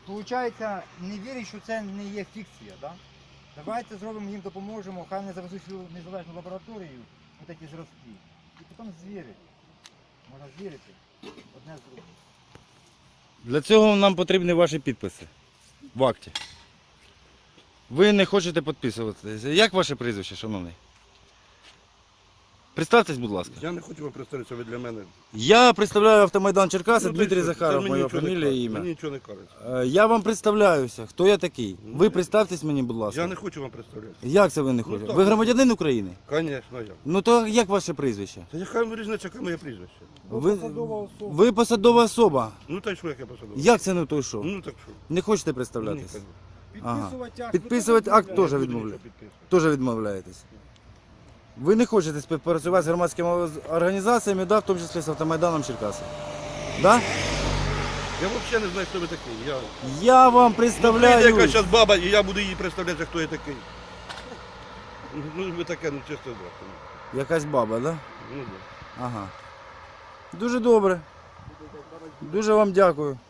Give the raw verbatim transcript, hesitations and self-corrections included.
виходить, не вірять, що це не є фікція, да? Давайте зробимо їм, допоможемо, хай не завезуть свою незалежну лабораторію, ось ці зразки. І потім звірити. Можна звірити одне з другим. Для цього нам потрібні ваші підписи в акті. Ви не хочете підписуватися. Як ваше прізвище, шановний? Представтесь, будь ласка. Я не хочу вам представитися, ви для мене. Я представляю Автомайдан Черкаси, Ну, Дмитрій то й що? Захаров, Це мені моя нічого не фамілія і кажуть, ім'я. Мені нічого не кажуть. Е, Я вам представляюся, хто я такий. Ну, Ви представтесь мені, будь ласка. Я не хочу вам представлятися. Як це ви не Ну, хочете? так. Ви громадянин України? Звісно, я. Ну то як ваше прізвище? Та яка вам різниця, яке моє прізвище? Ви, ви посадова особа. Ну та й що, як я посадив? Як це не той що? Ну так що? Не хочете Ні, представлятись? кажу. Ага. акт. Підписувати акт Я теж не буду відмовляєте. нічого підписувати. Теж відмовляєтесь. Ви не хочете співпрацювати з громадськими організаціями, да, в тому числі з Автомайданом Черкаси? Да? Я взагалі не знаю, хто ви такий. Я... Я вам Ну, прийде представляю. якась зараз баба, і я буду їй представляти, хто я такий. Ну, ви таке, ну чисто здрасте. Якась баба, да? Ну, да. Ага. Дуже добре. Дуже вам дякую.